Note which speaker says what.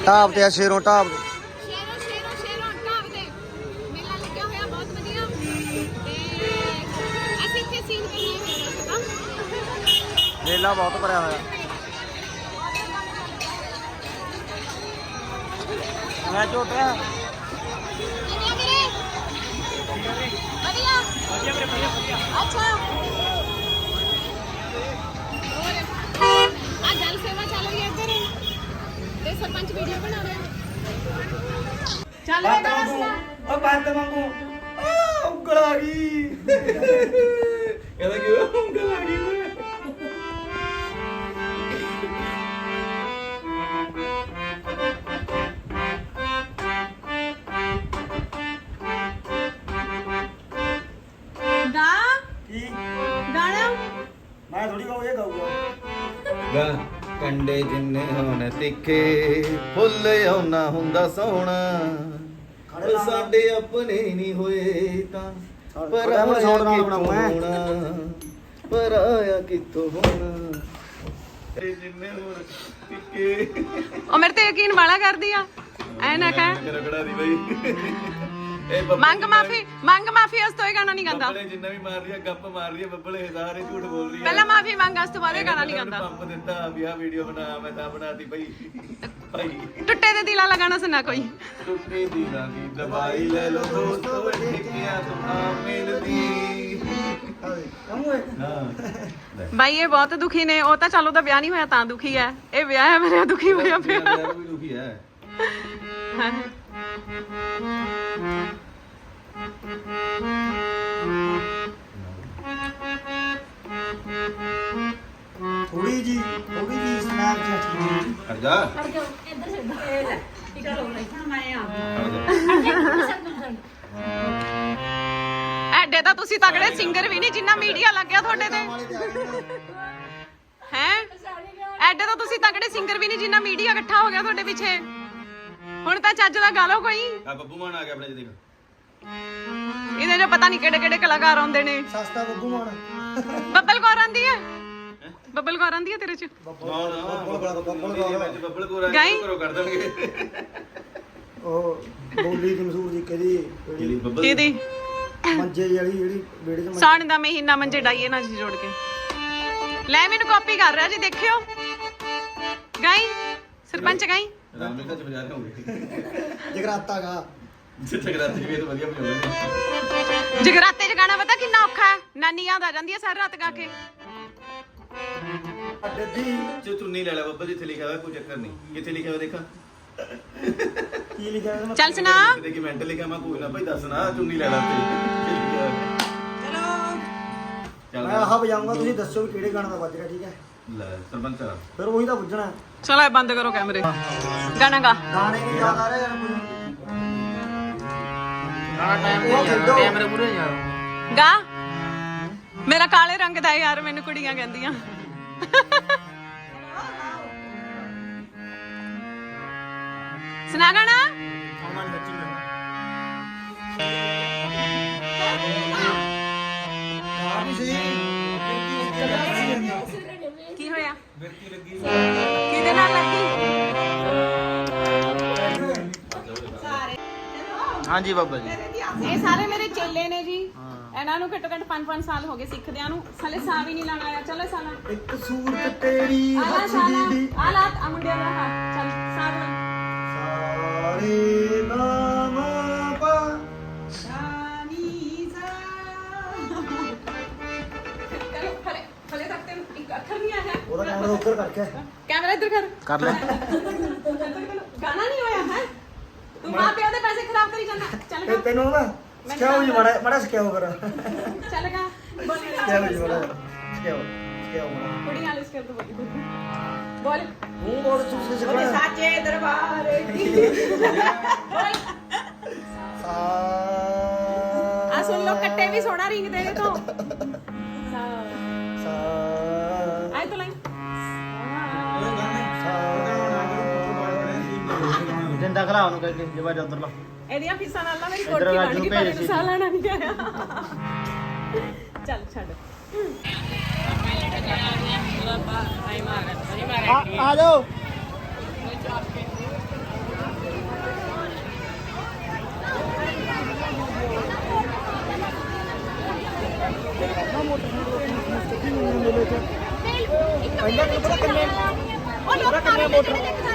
Speaker 1: ਢਾਬ ਤੇ ਆ ਸ਼ੇਰੋਂ ਢਾਬ
Speaker 2: ਸ਼ੇਰੋਂ ਢਾਬ ਤੇ ਮੇਲਾ ਲੱਗਿਆ ਹੋਇਆ ਬਹੁਤ ਵਧੀਆ ਤੇ ਅਸੀਂ ਇੱਥੇ ਸੀਨ ਕਰਨਾ ਹੈ
Speaker 1: ਮੇਲਾ ਬਹੁਤ ਭਰਿਆ ਹੋਇਆ। ਮੈਂ ਝੋਟਿਆ
Speaker 2: अच्छा आ जल सेवा चल रही है इधर ते सरपंच वीडियो बना रहे हैं चल रे गाना
Speaker 1: ओ बात मांगू ਉਂਗਲ ਆ ਗਈ ਕਹਿੰਦਾ ਕਿ ਉਂਗਲ ਆ ਗਈ
Speaker 2: गा
Speaker 1: ਕੀ
Speaker 2: गाना
Speaker 1: ਮੈਂ ਥੋੜੀ ਗਾਉ ਇਹ ਗਾਊਗਾ
Speaker 3: ਗਾ ਕੰਡੇ ਜਿੰਨੇ ਹੋਣ ਤਿੱਖੇ ਫੁੱਲ ਆਉਣਾ ਹੁੰਦਾ ਸੋਹਣਾ ਉਹ ਸਾਡੇ ਆਪਣੇ ਨਹੀਂ ਹੋਏ ਤਾਂ ਪਰ ਪਰ ਆਇਆ ਕਿੱਥੋਂ ਹੋਣਾ ਜਿੰਨੇ ਹੋਣ ਤਿੱਖੇ
Speaker 2: ओ मेरे ते यकीन वाला कर दिया ऐ ना कह
Speaker 3: ਰਗੜਾ ਦੀ ਬਈ ਇਹ
Speaker 2: ਮੰਗ ਮਾਫੀ ਉਸ ਤੋਂ ਇਹ ਗਾਣਾ ਨਹੀਂ ਗਾਉਂਦਾ
Speaker 3: ਬੱਬਲੇ ਜਿੰਨਾ ਵੀ ਮਾਰ ਰਹੀ ਆ ਗੱਪ ਮਾਰ ਰਹੀ ਆ ਬੱਬਲੇ ਸਾਰੇ ਝੂਠ ਬੋਲ ਰਹੀ ਆ
Speaker 2: ਪਹਿਲਾਂ ਮਾਫੀ ਮੰਗ ਉਸ ਤੋਂ ਬਾਅਦ ਇਹ ਗਾਣਾ ਨਹੀਂ ਗਾਉਂਦਾ
Speaker 3: ਪੰਪ ਦਿੱਤਾ ਵੀ ਆ ਵੀਡੀਓ ਬਣਾ ਮੈਂ ਤਾਂ ਬਣਾਤੀ ਭਾਈ ਭਾਈ
Speaker 2: ਟੁੱਟੇ ਦੇ ਦਿਲਾਂ ਵਾਲਾ ਗਾਣਾ ਸੁਣਾ ਕੋਈ
Speaker 3: ਟੁੱਟੇ ਦਿਲਾਂ ਦੀ ਦਵਾਈ ਲੈ ਲੋ ਦੋਸਤੋ ਠੇਕਿਆ ਤੋਂ ਨਾ ਮਿਲਦੀ ਹਾਂ
Speaker 2: ਬਾਈ ਇਹ ਬਹੁਤ ਦੁਖੀ ਨੇ ਉਹ ਤਾਂ ਚਲੋ ਦਾ ਵਿਆਹ ਨਹੀਂ ਹੋਇਆ ਤਾਂ ਦੁਖੀ ਹੈ ਇਹ ਵਿਆਹ ਹੈ ਮੇਰੇ ਦੁਖੀ ਹੋਇਆ ਪਿਆ
Speaker 3: ਯਾਰ ਵੀ ਦੁਖੀ ਹੈ
Speaker 1: ਥੋੜੀ ਜੀ ਸਨੈਪ ਚੈਟ
Speaker 3: ਹਟ ਜਾ
Speaker 2: ਐਡੇ ਤਾਂ ਤੁਸੀਂ ਤਗੜੇ ਸਿੰਗਰ ਵੀ ਨਹੀਂ ਜਿੰਨਾ ਮੀਡੀਆ ਲੱਗਿਆ ਤੁਹਾਡੇ ਤੇ ਹੈ ਐਡੇ ਤਾਂ ਤੁਸੀਂ ਤਗੜੇ ਸਿੰਗਰ ਵੀ ਨਹੀਂ ਜਿੰਨਾ ਮੀਡੀਆ ਇਕੱਠਾ ਹੋ ਗਿਆ ਤੁਹਾਡੇ ਪਿੱਛੇ ਹੁਣ ਤਾਂ ਚੱਜ ਦਾ ਗਾ ਲਓ ਕੋਈ
Speaker 3: ਆ ਬੱਬੂ ਮਾਨ ਆ ਗਿਆ ਆਪਣੇ ਚ ਦੇਖ
Speaker 2: ਇਹਦੇ ਜੋ ਪਤਾ ਨਹੀਂ ਕਿਹੜੇ ਕਿਹੜੇ ਕਲਾਕਾਰ ਆਉਂਦੇ ਨੇ
Speaker 1: ਸਸਤਾ ਬੱਬੂ ਮਾਨ
Speaker 2: ਬੱਬਲ ਕੌਰ ਆਂਦੀ ਹੈ ਬੱਬਲ ਕੌਰ ਆਂਦੀ ਹੈ ਤੇਰੇ ਚ
Speaker 3: ਨਾ ਨਾ ਬੱਬਲ ਕੋਲ
Speaker 2: ਗਾਈ?
Speaker 3: ਕਰੋ ਕਰ ਦੇਣਗੇ
Speaker 1: ਉਹ ਬੋਲੀ ਕਮਜ਼ੋਰ ਜੀ
Speaker 3: ਜਿਹੜੀ ਬੱਬਲ
Speaker 2: ਕਿਹਦੀ
Speaker 1: ਮੰਜੇ ਜਿਹੜੀ ਵੇੜੇ ਚ
Speaker 2: ਸਾਣ ਦਾ ਮਹੀਨਾ ਮੰਜੇ ਡਾਈਏ ਨਾਲ ਜੋੜ ਕੇ ਲੈ ਮੈਨੂੰ ਕਾਪੀ ਕਰ ਰਿਹਾ ਜੀ ਦੇਖਿਓ ਗਾਈ ਸਰਪੰਚ ਗਾਈ
Speaker 3: ਰਾਮਲੀਲਾ ਚ ਬਜਾ ਰਹੇ ਹੋਗੇ
Speaker 1: ਜਗਰਾਤਾ ਗਾ
Speaker 3: ਜਗਰਾਤੇ ਵੀ ਤਾਂ ਵਧੀਆ ਬਜਾਉਂਦੇ
Speaker 2: ਜਗਰਾਤੇ ਚ ਗਾਣਾ ਪਤਾ ਕਿੰਨਾ ਔਖਾ ਹੈ ਨਾਨੀ ਯਾਦ ਆ ਜਾਂਦੀ ਹੈ ਸਾਰੀ ਰਾਤ ਗਾ ਕੇ
Speaker 1: ਅੱਡੇ ਦੀ
Speaker 3: ਜੇ ਚੁੰਨੀ ਲੈ ਲੈ ਬੱਬਲ ਜਿੱਥੇ ਲਿਖਿਆ ਹੋਇਆ ਕੋਈ ਚੱਕਰ ਨਹੀਂ ਕਿੱਥੇ ਲਿਖਿਆ ਹੋਇਆ ਦੇਖਾਂ
Speaker 1: ਕੀ ਲਿਖਿਆ ਹੋਇਆ
Speaker 2: ਚੱਲ ਸੁਣਾ
Speaker 3: ਕਿਤੇ ਕਿ ਮੈਂਟਲ ਲਿਖਿਆ ਮੈਂ ਕੋਈ ਨਾ ਭਾਈ ਦੱਸਣਾ ਚੁੰਨੀ ਲੈ ਲੈ ਤੇ ਚਲੋ
Speaker 1: ਮੈਂ ਆਹ ਵਜਾਊਂਗਾ ਤੁਸੀਂ ਦੱਸੋ ਵੀ ਕਿਹੜੇ ਗਾਣੇ ਦਾ ਵੱਜ ਰਿਹਾ ਠੀਕ ਹੈ
Speaker 3: ਲੈ ਸਰਪੰਚ ਆ
Speaker 1: ਫਿਰ ਉਹੀ ਤਾਂ ਪੁੱਛਣਾ
Speaker 2: ਚਲੋ ਇਹ ਬੰਦ ਕਰੋ ਕੈਮਰੇ ਗਾਣਾ ਗਾ
Speaker 1: ਗਾਣੇ ਕੀ ਯਾਦ ਆ ਰਹੇ ਯਾਰ ਕੋਈ
Speaker 4: ਕੈਮਰੇ ਪੂਰੇ ਯਾਰ
Speaker 2: ਗਾ ਮੇਰਾ ਕਾਲੇ ਰੰਗ ਦਾ ਯਾਰ ਮੈਨੂੰ ਕੁੜੀਆਂ ਕਹਿੰਦੀਆਂ ਸੁਣਾ ਗਾਣਾ ਕੀ ਹੋਇਆ ਕਿਹਦੇ ਨਾਲ ਲੱਗੀ
Speaker 4: ਹਾਂਜੀ ਬਾਬਾ ਜੀ
Speaker 2: ਇਹ ਸਾਰੇ ਮੇਰੇ ਚੇਲੇ ਨੇ ਜੀ ਇਹਨਾਂ ਨੂੰ ਘੱਟੋ ਘੱਟ 5-5 ਸਾਲ ਹੋ ਗਏ ਸਿੱਖਦਿਆਂ ਨੂੰ ਸਾਲੇ ਸਾਹ ਵੀ ਨਹੀਂ ਲਾਣਾ ਆਇਆ ਚਲੋ ਸਾਲਾ
Speaker 1: ਇੱਕ ਸੂਰਤ ਤੇਰੀ
Speaker 2: ਆਲਾ
Speaker 1: ਹੱਸਦੀ ਦੀ
Speaker 2: ਆਲਾ ਆ ਮੁੰਡਿਆਂ ਦਾ ਹੱਥ ਚੱਲ ਸਾਹ ਲਾ
Speaker 1: ਸਾਰੇ ਨਾਮ ਪਾ
Speaker 2: ਸ਼ਾਨੀ ਸਾ ਚਲੋ ਫਲੇ ਤੱਕ ਤੇ ਇੱਕ ਅੱਖਰ ਨਹੀਂ ਆਇਆ
Speaker 1: ਉਹਦਾ ਕੈਮਰਾ ਉੱਪਰ ਕਰਕੇ
Speaker 2: ਕੈਮਰਾ ਇੱਧਰ
Speaker 4: ਕਰ ਲੈ
Speaker 2: ਗਾਣਾ ਨਹੀਂ ਹੋਇਆ ਹੈ ਤੂੰ ਮਾਂ ਪਿਓ ਦੇ ਪੈਸੇ ਖਰਾਬ ਕਰੀ ਜਾਂਦਾ ਚੱਲ
Speaker 1: ਤੇ
Speaker 2: ਗਾ
Speaker 1: ਤੈਨੂੰ ਨਾ ਸਿਖਾਓ ਜੀ ਮਾੜਾ ਸਿਖਾਓ ਫਿਰ
Speaker 2: ਚੱਲ ਗਾ ਬੋਲ
Speaker 1: ਸਿਖਾਓ ਜੀ ਮਾੜਾ ਸਿਖਾਓ ਮਾੜਾ
Speaker 2: ਕੁੜੀ ਆਲਿਸ ਕਰ ਦੋ ਬੋਲ
Speaker 1: ਮੂੰਹ ਬੋਲ ਤੁਸੀਂ ਸਿਖਾਓ
Speaker 2: ਸਾਚੇ ਦਰਬਾਰ ਕੀ ਬੋਲ
Speaker 1: ਸਾ
Speaker 2: ਆ ਸੁਣ ਲੋ ਕੱਟੇ ਵੀ ਸੋਹਣਾ ਰਿੰਗ ਦੇ ਤੋਂ
Speaker 1: ਸਾ
Speaker 2: ਆਏ ਤਾਂ ਲਾਈਨ
Speaker 4: ਜਿੰਦਾ ਖਲਾ ਉਹਨੂੰ ਕਹਿੰਦੇ ਜੇ ਬਾਜ ਉਧਰ ਲਾ
Speaker 2: ਇਹਦੀਆਂ ਫੀਸਾਂ ਨਾਲ ਨਾ ਮੇਰੀ ਕੋਠੀ ਬਣ ਗਈ ਪਰ ਇਹਨੂੰ ਸਾਹ ਲੈਣਾ ਨਹੀਂ ਆਇਆ ਚੱਲ ਛੱਡ
Speaker 4: ਆ ਜਾਓ
Speaker 2: ਪਹਿਲਾਂ ਕਿੰਨੇ ਮੋਟਰ